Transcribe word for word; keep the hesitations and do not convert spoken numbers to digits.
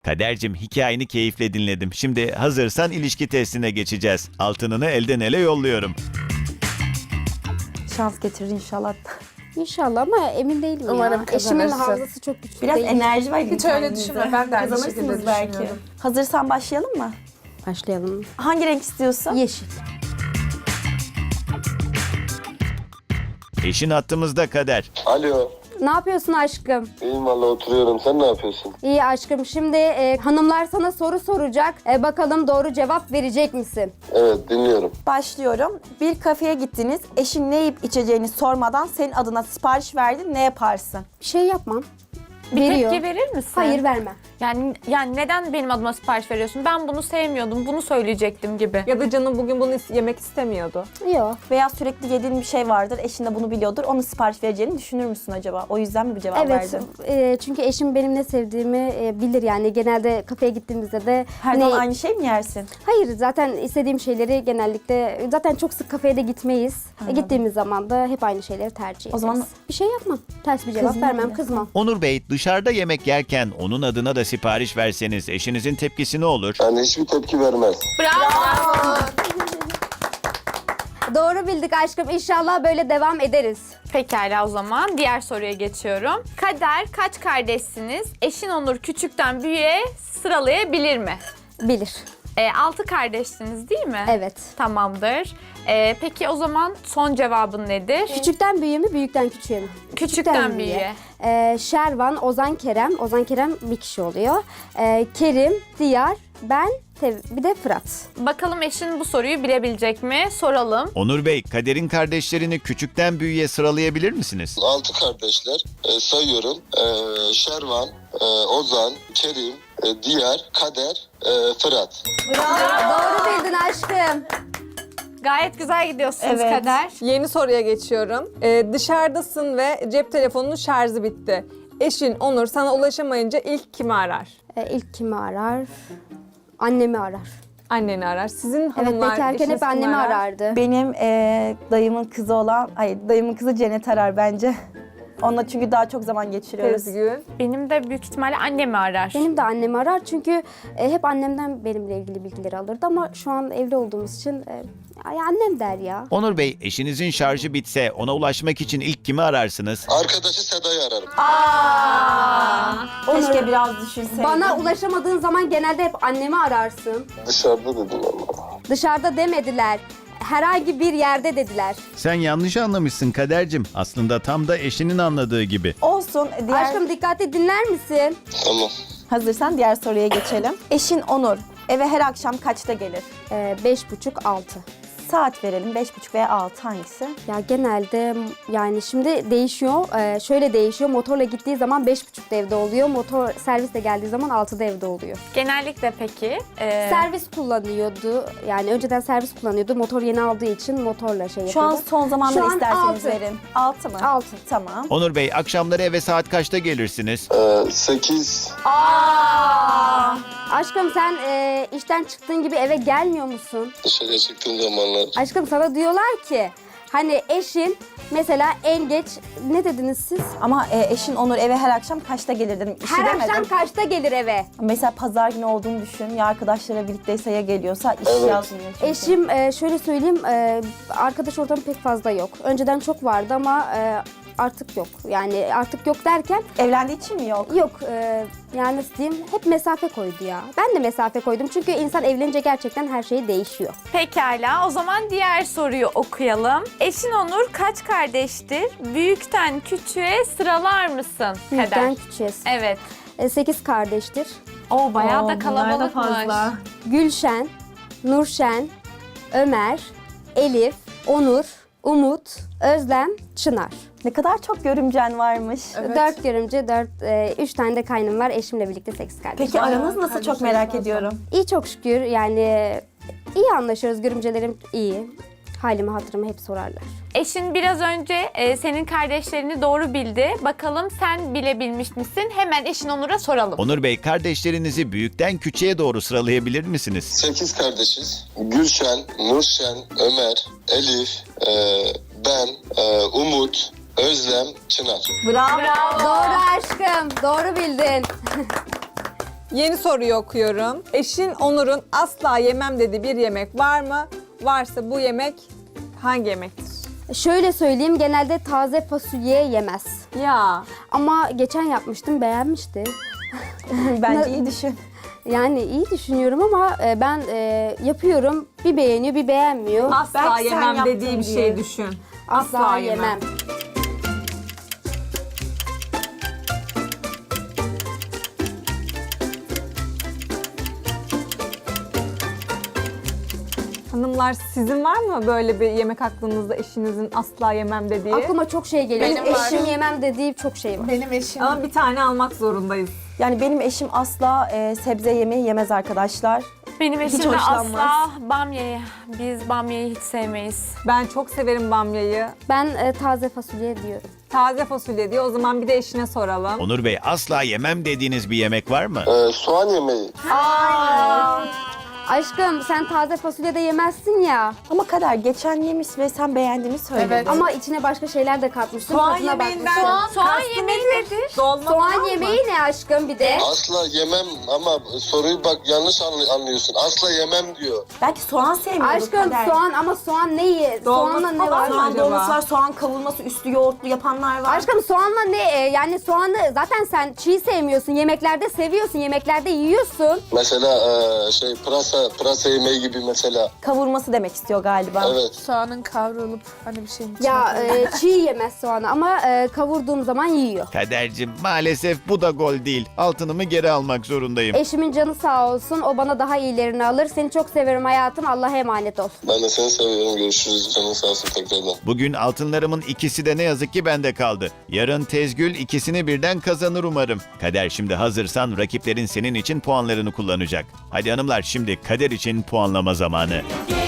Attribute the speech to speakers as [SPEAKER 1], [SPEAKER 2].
[SPEAKER 1] Kadercim, hikayeni keyifle dinledim. Şimdi hazırsan ilişki testine geçeceğiz. Altınını elden ele yolluyorum.
[SPEAKER 2] Şans getirir inşallah.
[SPEAKER 3] İnşallah ama emin değilim
[SPEAKER 4] Umarım
[SPEAKER 3] ya. Eşimin
[SPEAKER 4] kazanırsın.
[SPEAKER 3] hafızası çok güçlü
[SPEAKER 2] Biraz
[SPEAKER 3] değil.
[SPEAKER 2] enerji var.
[SPEAKER 4] Hiç öyle düşünme, ben de aynı şekilde
[SPEAKER 2] Kazanırsınız belki.
[SPEAKER 4] düşünüyorum.
[SPEAKER 2] Hazırsan başlayalım mı?
[SPEAKER 3] Başlayalım.
[SPEAKER 2] Hangi renk istiyorsun?
[SPEAKER 3] Yeşil.
[SPEAKER 1] Eşin hattımızda Kader.
[SPEAKER 5] Alo.
[SPEAKER 3] Ne yapıyorsun aşkım?
[SPEAKER 5] İyiyim valla oturuyorum. Sen ne yapıyorsun?
[SPEAKER 3] İyi aşkım. Şimdi e, hanımlar sana soru soracak. E, bakalım doğru cevap verecek misin?
[SPEAKER 5] Evet dinliyorum.
[SPEAKER 2] Başlıyorum. Bir kafeye gittiniz. Eşin ne yiyip içeceğini sormadan senin adına sipariş verdi. Ne yaparsın?
[SPEAKER 3] Bir şey yapmam.
[SPEAKER 6] Bir
[SPEAKER 3] Veriyor.
[SPEAKER 6] tepki verir misin?
[SPEAKER 3] Hayır vermem.
[SPEAKER 6] Yani yani neden benim adıma sipariş veriyorsun? Ben bunu sevmiyordum, bunu söyleyecektim gibi.
[SPEAKER 4] Ya da canım bugün bunu is- yemek istemiyordu.
[SPEAKER 3] Yok.
[SPEAKER 2] Veya sürekli yediğin bir şey vardır. Eşin de bunu biliyordur. Onu sipariş vereceğini düşünür müsün acaba? O yüzden mi bu cevap
[SPEAKER 3] Evet.
[SPEAKER 2] verdin?
[SPEAKER 3] e, çünkü eşim benim ne sevdiğimi e, bilir yani. Genelde kafeye gittiğimizde de
[SPEAKER 2] Her
[SPEAKER 3] ne-
[SPEAKER 2] zaman aynı şey mi yersin?
[SPEAKER 3] Hayır, zaten istediğim şeyleri genellikle zaten çok sık kafeye de gitmeyiz. E, gittiğimiz zaman da hep aynı şeyleri tercih ederiz.
[SPEAKER 2] O zaman-
[SPEAKER 3] bir şey yapmam. Ters bir cevap
[SPEAKER 2] Kızmam
[SPEAKER 3] vermem,
[SPEAKER 2] bile.
[SPEAKER 3] kızmam.
[SPEAKER 1] Onur Bey, dışarıda yemek yerken onun adına da sipariş verseniz eşinizin tepkisi ne olur?
[SPEAKER 5] Yani hiçbir tepki vermez.
[SPEAKER 6] Bravo.
[SPEAKER 3] Doğru bildik aşkım. İnşallah böyle devam ederiz.
[SPEAKER 6] Pekala, o zaman diğer soruya geçiyorum. Kader, kaç kardeşsiniz? Eşin Onur küçükten büyüğe sıralayabilir mi?
[SPEAKER 3] Bilir.
[SPEAKER 6] E, altı kardeşsiniz değil mi?
[SPEAKER 3] Evet.
[SPEAKER 6] Tamamdır. E, peki o zaman son cevabın nedir?
[SPEAKER 3] Küçükten büyüğe mi, büyükten küçüğe mi?
[SPEAKER 6] Küçükten büyüğe.
[SPEAKER 3] Ee, Şervan, Ozan Kerem. Ozan Kerem bir kişi oluyor. Ee, Kerim, Diyar, ben, Tev- bir de Fırat.
[SPEAKER 6] Bakalım eşin bu soruyu bilebilecek mi? Soralım.
[SPEAKER 1] Onur Bey, Kader'in kardeşlerini küçükten büyüğe sıralayabilir misiniz?
[SPEAKER 5] Altı kardeşler. E, sayıyorum. E, Şervan, e, Ozan, Kerim, e, Diyar, Kader, e, Fırat.
[SPEAKER 3] Doğru bildin aşkım.
[SPEAKER 6] Gayet güzel gidiyorsunuz
[SPEAKER 2] Evet.
[SPEAKER 6] Kader.
[SPEAKER 4] Yeni soruya geçiyorum. Ee, dışarıdasın ve cep telefonunun şarjı bitti. Eşin Onur sana ulaşamayınca ilk kimi arar?
[SPEAKER 3] Ee, ilk kimi arar? Annemi arar.
[SPEAKER 4] Anneni arar. Sizin
[SPEAKER 3] Evet,
[SPEAKER 4] hanımlar,
[SPEAKER 3] bekarken
[SPEAKER 4] eşiniz
[SPEAKER 3] hep
[SPEAKER 4] kimi
[SPEAKER 3] annemi
[SPEAKER 4] arar?
[SPEAKER 3] arardı.
[SPEAKER 2] Benim eee, dayımın kızı olan, hayır dayımın kızı Cennet arar bence. Onunla çünkü daha çok zaman geçiriyoruz.
[SPEAKER 4] Sezgün.
[SPEAKER 6] Benim de büyük ihtimalle annemi arar.
[SPEAKER 3] Benim de annemi arar çünkü e, hep annemden benimle ilgili bilgileri alırdı ama şu an evli olduğumuz için e, ay, annem der ya.
[SPEAKER 1] Onur Bey, eşinizin şarjı bitse ona ulaşmak için ilk kimi ararsınız?
[SPEAKER 5] Arkadaşı Seda'yı ararım.
[SPEAKER 2] Keşke biraz düşünseydin.
[SPEAKER 3] Bana ulaşamadığın zaman genelde hep annemi ararsın.
[SPEAKER 5] Dışarıda dedim ama.
[SPEAKER 3] Dışarıda demediler. Herhangi bir yerde dediler.
[SPEAKER 1] Sen yanlış anlamışsın Kader'cim. Aslında tam da eşinin anladığı gibi.
[SPEAKER 2] Olsun. Diğer...
[SPEAKER 3] Aşkım dikkatli dinler misin?
[SPEAKER 5] Tamam.
[SPEAKER 2] Hazırsan diğer soruya geçelim. Eşin Onur eve her akşam kaçta gelir?
[SPEAKER 3] Ee, beş buçuk altı.
[SPEAKER 2] Saat verelim. Beş buçuk veya altı hangisi?
[SPEAKER 3] Ya genelde yani şimdi değişiyor. Ee, şöyle değişiyor. Motorla gittiği zaman beş buçukta evde oluyor. Motor servisle geldiği zaman altıda evde oluyor.
[SPEAKER 6] Genellikle peki. e,
[SPEAKER 3] Servis kullanıyordu. Yani önceden servis kullanıyordu. Motor yeni aldığı için motorla şey
[SPEAKER 2] Şu an
[SPEAKER 3] yapıyordu.
[SPEAKER 2] son zamanları
[SPEAKER 3] Şu an
[SPEAKER 2] isterseniz
[SPEAKER 3] altı.
[SPEAKER 2] verin. Altı mı?
[SPEAKER 3] Altı.
[SPEAKER 2] Tamam.
[SPEAKER 1] Onur Bey, akşamları eve saat kaçta gelirsiniz?
[SPEAKER 5] E, sekiz.
[SPEAKER 3] Aşkım sen e, işten çıktığın gibi eve gelmiyor musun?
[SPEAKER 5] Dışarıya çıktığım zamanlar.
[SPEAKER 3] Aşkım sana diyorlar ki hani eşin mesela en geç ne dediniz siz?
[SPEAKER 2] Ama e, eşin Onur eve her akşam kaçta gelir dedim. İşi
[SPEAKER 3] Her
[SPEAKER 2] demedim.
[SPEAKER 3] akşam kaçta gelir eve?
[SPEAKER 2] Mesela pazar günü olduğunu düşün. Ya arkadaşlara birlikteyse ya geliyorsa iş
[SPEAKER 5] Evet.
[SPEAKER 2] yazmıyor çünkü.
[SPEAKER 3] Eşim e, şöyle söyleyeyim e, arkadaş ortamı pek fazla yok. Önceden çok vardı ama e, artık yok. Yani artık yok derken
[SPEAKER 2] Evlendiği için mi yok?
[SPEAKER 3] yok e, yani nasıl diyeyim hep mesafe koydu ya. Ben de mesafe koydum çünkü insan evlenince gerçekten her şey değişiyor.
[SPEAKER 6] Pekala, o zaman diğer soruyu okuyalım. Eşin Onur kaç kardeştir? Büyükten küçüğe sıralar mısın
[SPEAKER 3] Büyükten
[SPEAKER 6] Kader?
[SPEAKER 3] küçüğe.
[SPEAKER 6] Evet.
[SPEAKER 3] E, sekiz kardeştir.
[SPEAKER 6] O bayağı
[SPEAKER 2] Oo,
[SPEAKER 6] da
[SPEAKER 2] bunlar da
[SPEAKER 6] kalabalıkmış.
[SPEAKER 2] fazla.
[SPEAKER 3] Gülşen, Nurşen, Ömer, Elif, Onur, Umut, Özlem, Çınar.
[SPEAKER 2] Ne kadar çok görümcen varmış.
[SPEAKER 4] Evet.
[SPEAKER 3] Dört görümce, dört, e, üç tane de kaynım var. Eşimle birlikte sekiz kardeş.
[SPEAKER 2] Peki aranız nasıl çok
[SPEAKER 4] kardeşlerim
[SPEAKER 2] merak
[SPEAKER 4] fazla.
[SPEAKER 2] ediyorum.
[SPEAKER 3] İyi çok şükür yani iyi anlaşıyoruz. Görümcelerim iyi. Halimi hatırımı hep sorarlar.
[SPEAKER 6] Eşin biraz önce e, senin kardeşlerini doğru bildi. Bakalım sen bilebilmiş misin? Hemen eşin Onur'a soralım.
[SPEAKER 1] Onur Bey, kardeşlerinizi büyükten küçüğe doğru sıralayabilir misiniz?
[SPEAKER 5] Sekiz kardeşiz. Gülşen, Nurşen, Ömer, Elif, e, ben, e, Umut, Özlem, Çınar.
[SPEAKER 2] Bravo.
[SPEAKER 3] Doğru aşkım. Doğru bildin.
[SPEAKER 4] Yeni soruyu okuyorum. Eşin Onur'un asla yemem dediği bir yemek var mı? Varsa bu yemek hangi yemektir?
[SPEAKER 3] Şöyle söyleyeyim, genelde taze fasulye yemez.
[SPEAKER 4] Ya
[SPEAKER 3] Ama geçen yapmıştım, beğenmişti.
[SPEAKER 2] Bence iyi düşün.
[SPEAKER 3] Yani iyi düşünüyorum ama e, ben e, yapıyorum, bir beğeniyor bir beğenmiyor.
[SPEAKER 4] asla
[SPEAKER 2] Belki sen
[SPEAKER 4] yemem
[SPEAKER 2] yaptın
[SPEAKER 4] dediği bir
[SPEAKER 2] diye.
[SPEAKER 4] şey düşün.
[SPEAKER 3] Asla yemem.
[SPEAKER 4] Hanımlar sizin var mı böyle bir yemek aklınızda eşinizin asla yemem dediği?
[SPEAKER 3] Aklıma çok şey geliyor.
[SPEAKER 6] Benim var.
[SPEAKER 3] Eşim yemem dediği çok şey var.
[SPEAKER 6] Benim eşim.
[SPEAKER 4] Ama bir tane almak zorundayız.
[SPEAKER 2] Yani benim eşim asla e, sebze yemeği yemez arkadaşlar.
[SPEAKER 6] Benim
[SPEAKER 2] Hiç
[SPEAKER 6] eşim de
[SPEAKER 2] hoşlanmaz.
[SPEAKER 6] asla bamyayı. Biz bamyayı hiç sevmeyiz.
[SPEAKER 4] Ben çok severim bamyayı.
[SPEAKER 3] Ben e, taze fasulye diyorum.
[SPEAKER 4] Taze fasulye diyor. O zaman bir de eşine soralım.
[SPEAKER 1] Onur Bey, asla yemem dediğiniz bir yemek var mı?
[SPEAKER 5] E, soğan yemeği.
[SPEAKER 3] Aşkım sen taze fasulye de yemezsin ya.
[SPEAKER 2] Ama Kader geçen yemiş ve sen beğendiğini söyledin.
[SPEAKER 6] Evet.
[SPEAKER 3] Ama içine başka şeyler de katmıştın.
[SPEAKER 4] Soğan
[SPEAKER 3] tadına
[SPEAKER 4] yemeğinden
[SPEAKER 3] bakmışsın.
[SPEAKER 6] Soğan, soğan
[SPEAKER 4] kastı
[SPEAKER 6] yemeği nedir?
[SPEAKER 4] Dolma falan
[SPEAKER 3] Soğan
[SPEAKER 4] mı?
[SPEAKER 3] yemeği ne aşkım bir de?
[SPEAKER 5] Asla yemem ama soruyu bak yanlış anlı- anlıyorsun. Asla yemem diyor.
[SPEAKER 2] Belki soğan sevmiyordur
[SPEAKER 3] Aşkım
[SPEAKER 2] Kader.
[SPEAKER 3] soğan ama soğan ne ye?
[SPEAKER 4] Dolması
[SPEAKER 3] Soğanla ne
[SPEAKER 4] falan
[SPEAKER 3] var?
[SPEAKER 4] mı?
[SPEAKER 2] Soğan
[SPEAKER 4] acaba?
[SPEAKER 2] dolması var, soğan kavurması, üstü yoğurtlu yapanlar var.
[SPEAKER 3] Aşkım soğanla ne? e, Yani soğanı zaten sen çiğ sevmiyorsun. Yemeklerde seviyorsun. Yemeklerde yiyorsun.
[SPEAKER 5] Mesela e, şey pırasa, pırasa yemeği gibi mesela.
[SPEAKER 2] Kavurması demek istiyor galiba.
[SPEAKER 5] Evet.
[SPEAKER 6] Soğanın kavrulup hani bir şeyin içine
[SPEAKER 3] Ya
[SPEAKER 6] koyulup-
[SPEAKER 3] e, çiğ yemez soğanı ama e, kavurduğum zaman yiyor.
[SPEAKER 1] Kadercim, maalesef bu da gol değil. Altınımı geri almak zorundayım.
[SPEAKER 3] Eşimin canı sağ olsun. O bana daha iyilerini alır. Seni çok severim hayatım. Allah'a emanet ol.
[SPEAKER 5] Ben de seni seviyorum. Görüşürüz. Canın sağ olsun tekrardan.
[SPEAKER 1] Bugün altınlarımın ikisi de ne yazık ki bende kaldı. Yarın Tezgül ikisini birden kazanır umarım. Kader, şimdi hazırsan rakiplerin senin için puanlarını kullanacak. Hadi hanımlar, şimdi Kader için puanlama zamanı.